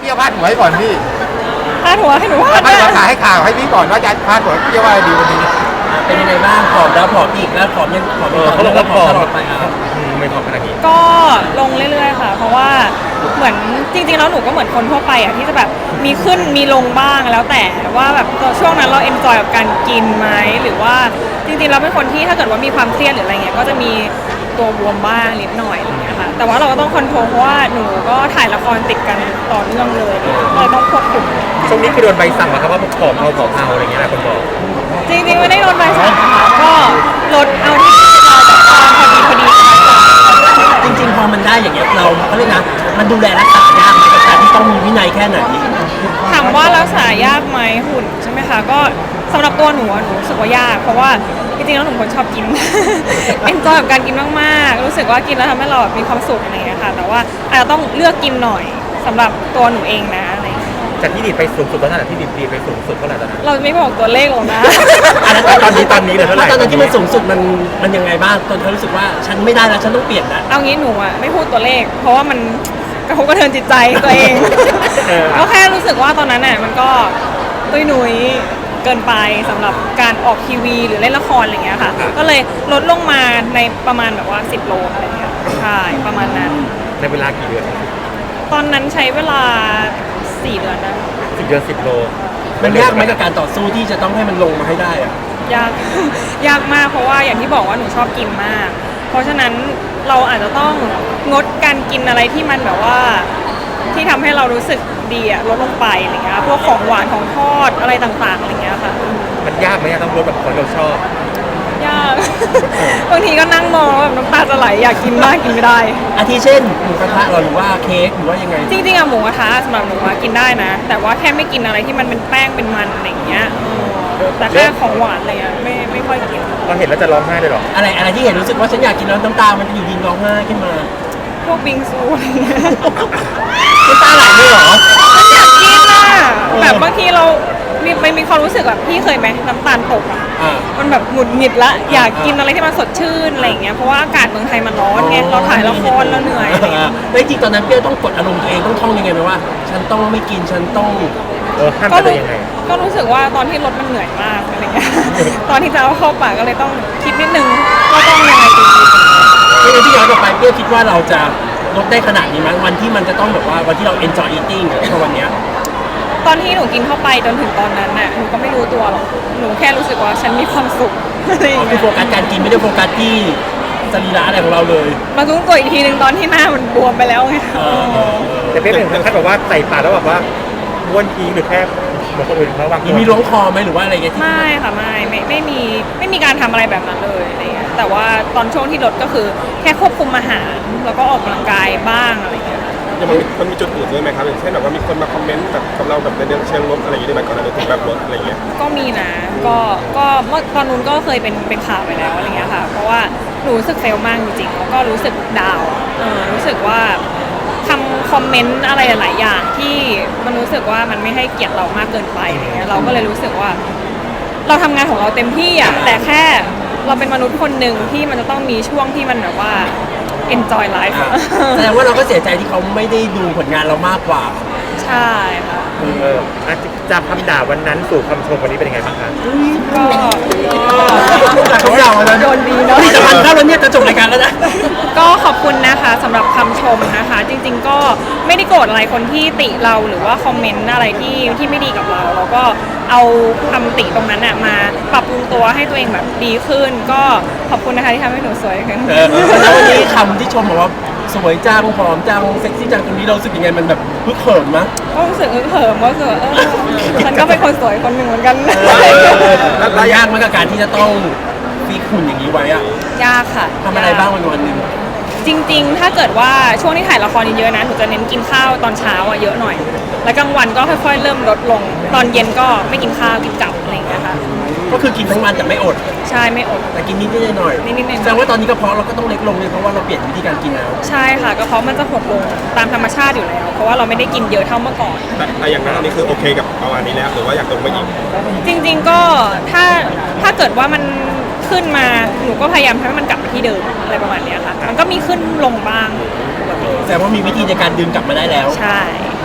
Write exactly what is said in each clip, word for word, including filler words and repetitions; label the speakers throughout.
Speaker 1: จะพาดหัวให้ก่อนพี่
Speaker 2: พาดหัวให้หนู
Speaker 1: พาดหัวข่าวให้ข่าวให้พี่ก่อนว่าจะพาดหัวพี่จะว่าดีวันนี้
Speaker 3: เป็นยังไงบ้างผอมแล้วผอมอีกแล้วผอมยังผอมอีกเขาบอกว่าผอมตลอดไปครับ
Speaker 1: ไม่ผอมขนาดนี้
Speaker 2: ก็ลงเรื่อยๆค่ะเพราะว่าเหมือนจริงๆแล้วหนูก็เหมือนคนทั่วไปอ่ะที่จะแบบมีขึ้นมีลงบ้างแล้วแต่ว่าแบบช่วงนั้นเราเอนจอยกับการกินไหมหรือว่าจริงๆเราเป็นคนที่ถ้าเกิดว่ามีความเครียดหรืออะไรเงี้ยก็จะมีตัวบวมบ้างนิดหน่อยอะไรเงี้ยค่ะแต่ว่าเราก็ต้องคอนโทรลเพราะว่าหนูก็ถ่ายละครติดกันต่อเนื่องเลยเลยต้องควบคุม
Speaker 1: ช่วงนี้คือโดนใบสั่งมาครับว่าผอมเอาผอมเอาอะไรเงี้ยหลายคนบอก
Speaker 2: จริงๆไม่ได้โดนใบสั่งนะคะก็ลดเอาที่เราแบบว่าพอดีพอดี
Speaker 3: จริงๆพอมันได้อย่างเงี้ยเราเขาเรียกนะมันดูแลรักษายากไหมกับการที่ต้องมีวินัยแค่ไหน
Speaker 2: ถามว่ารักษายากไหมหุ่นใช่ไหมคะก็สำหรับตัวหนูหนูรู้สึกว่ายากเพราะว่าจริงๆแล้วหนูคนชอบกินเอนจอยกับการกินมากๆรู้สึกว่ากินแล้วทำให้เราแบบมีความสุขอะไรอย่างเงี้ยค่ะแต่ว่าอาจจะต้องเลือกกินหน่อยสำหรับตัวหนูเองนะอะไร
Speaker 1: จากที่ดีไปสูงสุดตอนนั้นที่ดีดีไปสูงสุดเท่าไหร่ตอนนั้น
Speaker 2: เราไม่บอกตัวเลขหรอกนะ
Speaker 1: ตอนนี้ตอนนี้เลยเท่าไหร่
Speaker 3: ตอนนั้นที่มันสูงสุดมันมันยังไงบ้างตอนเธอรู้สึกว่าฉันไม่ได้แล้วฉันต้องเปลี่ยนแล้ว
Speaker 2: เอางี้หนูอ่ะไม่พูดตัวเลขเพราะว่ามันกระทบกระเทือนจิตใจตัวเองก็แค่รู้สึกว่าตอนนั้นน่ะมันก็ตุ้ยหนุยเกินไปสำหรับการออกทีวีหรือเล่นละครอะไรเงี้ยค่ะก็เลยลดลงมาในประมาณแบบว่าสิบโลอะไรเงี้ยใช่ประมาณนั้น
Speaker 1: ในเวลากี่เดือน
Speaker 2: ตอนนั้นใช้เวลาสี่เดือนนะ
Speaker 1: สิบเดือนสิบโล
Speaker 3: มันยากไหมกับการต่อสู้ที่จะต้องให้มันลงมาให้ได้อะ
Speaker 2: ยากยากมากเพราะว่าอย่างที่บอกว่าหนูชอบกินมากเพราะฉะนั้นเราอาจจะต้องงดการกินอะไรที่มันแบบว่าที่ทำให้เรารู้สึกดีอะลดลงไปอะไรเงี้ยพวกของหวานของทอดอะไรต่างๆอะไรเงี้ยค่ะ
Speaker 1: มันยากไหมต้องลดแบบคนเราชอบ
Speaker 2: ยากบางทีก็นั่งมองแบบน้ำตาจะไหลอยากกินมากกินไม่ได้
Speaker 3: อาทิเช่นหมูกระทะหรือว่าเค้กหรือว่ายังไง
Speaker 2: จริงๆอะหมูกระทะสำหรับหนูกินได้นะแต่ว่าแค่ไม่กินอะไรที่มันเป็นแป้งเป็นมันอะไรเงี้ยแต่แค่ของหวานอะไรเงี้ยไม่ไม่ค่อยกิน
Speaker 1: พอเห็นแล้วจะร้องไห้เลยหรอ
Speaker 3: อะไรอะไรที่เห็นรู้สึกว่าฉันอยากกินแล้วน้ำตามันจะอยู่ดินร้องไห้ขึ้นมา
Speaker 2: พวกบิงซูอะไรเงี้ย
Speaker 3: น้ำตาไหลเลยเหรอ
Speaker 2: อยากกินอะแบบบางทีเรามีไม่มีความรู้สึกแบบพี่เคยไหมน้ำตาลตกอ่ะมันแบบหงุดหงิดละอยากกินอะไรที่มันสดชื่นอะไรอย่างเงี้ยเพราะว่าอากาศเมืองไทยมันร้อนไงเราถ่ายละครเราเหนื่อย
Speaker 3: แต่จริงตอนนั้นเปี้ยต้องกดอารมณ์ตัวเองต้องท่องยังไงไหมว่าฉันต้องไม่กินฉันต้อง
Speaker 1: ห้ามตัวเองยังไง
Speaker 2: ก็รู้สึกว่าตอนที่รถมันเหนื่อยมากอะไรเงี้ยตอนที่จะเอาเข้าปากก็เลยต้องคิดนิดนึงว่าต้องยังไงดี
Speaker 3: ไม่งั้นที่ย้อนกลับไปเปี้ยคิดว่าเราจะลดได้ขนาดนี้มั้ยวันที่มันจะต้องแบบว่าวันที่เรา enjoy eating ในวันเนี้ย
Speaker 2: ตอนที่หนูกินเข้าไปจนถึงตอนนั้นน่ะหนูก็ไม่รู้ตัวหรอกหนูแค่รู้สึกว่าฉันมีความสุข
Speaker 3: คือโฟกัสการกินไม่ได้โฟกัสที่สรีระอะไรของเราเลย
Speaker 2: มารู้ตัวอีกทีหนึ่งตอนที่หน้ามันบวมไปแล้วไง
Speaker 1: แต่เพื่อนถึงขั้นแบบว่าใส่ปากแล้วแบบว่าบ้วนทิ้งหรือแค่เหมือนคนอื่นเขาวาง
Speaker 3: มีล้วงคอไหมหรือว่าอะไรเงี้ย
Speaker 2: ไม่ค่ะไม่ไม่ไม่มีไม่มีการทำอะไรแบบนั้นเลยอะไรเงี้ยแต่ว่าตอนช่วงที่ลดก็คือแค่ควบคุมอาหารแล้วก็ออกกำลังกายบ้างอะไรเงี้ย
Speaker 4: ยังมันมันมีจุดอื่นด้วยไหมครับอย่างเช่นแบบว่ามีคนมาคอมเมนต์แบบกับเราแบบในเรื่องเชิงลบอะไรอย่างเงี้ยได้ไหมก่อนหน้านี้ถึงแบบลดอะไรเงี้ย
Speaker 2: ก็มีนะก็ก็เมื่อตอนนู้นก็เคยเป็นเป็นข่าวไปแล้วอะไรเงี้ยค่ะเพราะว่าหนูรู้สึกเฟลมากจริงๆแล้วก็รู้สึกดาวเออรู้สึกว่าทำคอมเมนต์อะไรหลายๆอย่างที่มันรู้สึกว่ามันไม่ให้เกียรติเรามากเกินไปอะไรเงี้ยเราก็เลยรู้สึกว่าเราทำงานของเราเต็มที่อ่ะแต่แค่เราเป็นมนุษย์คนหนึ่งที่มันจะต้องมีช่วงที่มันแบบว่าenjoy life
Speaker 3: แสดงว่าเราก็เสียใจที่เขาไม่ได้ดูผลงานเรามากกว่า
Speaker 2: ใช่ค่ะ
Speaker 1: เออจำคำด่าวันนั้นสู่คำชมวันนี้เป็นยังไงบ้างคะ
Speaker 2: ก็
Speaker 3: จากคำด่าวันนั้น
Speaker 2: โดนดีเนาะ
Speaker 3: ที่จะมันเข้าแล้วเนี่ยจะจบรายการแล้วนะ
Speaker 2: ก็ขอบคุณนะคะสำหรับคำชมนะคะจริงๆก็ไม่ได้โกรธอะไรคนที่ติเราหรือว่าคอมเมนต์อะไรที่ที่ไม่ดีกับเราเราก็เอาคำติตรงนั้นมาปรับปรุงตัวให้ตัวเองแบบดีขึ้นก็ขอบคุณนะคะที่ทำให้หนูสวยขึ้น
Speaker 3: แล้ววันนี้คำที่ชมบอกว่าสวยจังผอมจังเซ็กซี่จังตรงนี้เราสึกยังไงมันแบบฮึกเหิมมั้ย
Speaker 2: ก็รู้สึกฮึกเหิมว่าเออฉันก็เป็นคนสวยคนหนึ่งเหมือนกัน
Speaker 3: แล้วยากมากกับการที่จะต้องฟีกหุ่นอย่างนี้ไว้อะ
Speaker 2: ยากค่ะ
Speaker 3: ทำอะไรบ้างวันวันหนึ่ง
Speaker 2: จริงๆถ้าเกิดว่าช่วงที่ถ่ายละครเยอะๆนะหนูจะเน้นกินข้าวตอนเช้าอะเยอะหน่อยแล้วกลางวันก็ค่อยๆเริ่มลดลงตอนเย็นก็ไม่กินข้าวกินกลับอะไรอย่างเงี้ยค่ะ
Speaker 3: ก็คือกินทั้งวันแต่ไม่อด
Speaker 2: ใช่ไม่อด
Speaker 3: แต่กินนิดๆหน่อย
Speaker 2: ๆนิดๆหน่อยๆ
Speaker 3: แสดงว่าตอนนี้กระเพาะเราก็ต้องเล็กลงเลยเพราะว่าเราเปลี่ยนวิธีการกินแล้ว
Speaker 2: ใช่ค่ะกระเพาะมันจะหดลงตามธรรมชาติอยู่แล้วเพราะว่าเราไม่ได้กินเยอะเท่าเมื่อก่อน
Speaker 4: แต่อย่างนั้นตอนนี้คือโอเคกับประมาณนี้แล้วหรือว่าอยากลงไปอีก
Speaker 2: จริงๆก็ถ้าถ้าเกิดว่ามันขึ้นมาหนูก็พยายามให้มันกลับไปที่เดิมอะไรประมาณนี้ค่ะมันก็มีขึ้นลงบ้าง
Speaker 3: แต่ว่ามีวิธีในการดึงกลับมาได้แล้ว
Speaker 2: ใช่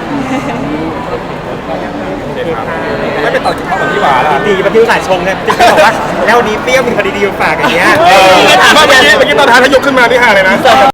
Speaker 4: โอเคครับไม่ไปต่อกินข้าวกับพี่หวานล่ะ
Speaker 1: ดีๆมาที่อุตส่าห์ชงเนี่ยจะบอกว่าแล้ววันนี้เปรี้ยวมีคดีดีมาฝากอย่างเงี้ย
Speaker 4: เออเมื่อกี้เมื่อกี้ตอนท้ายถ้ายกขึ้นมานี่ฮาเลยนะ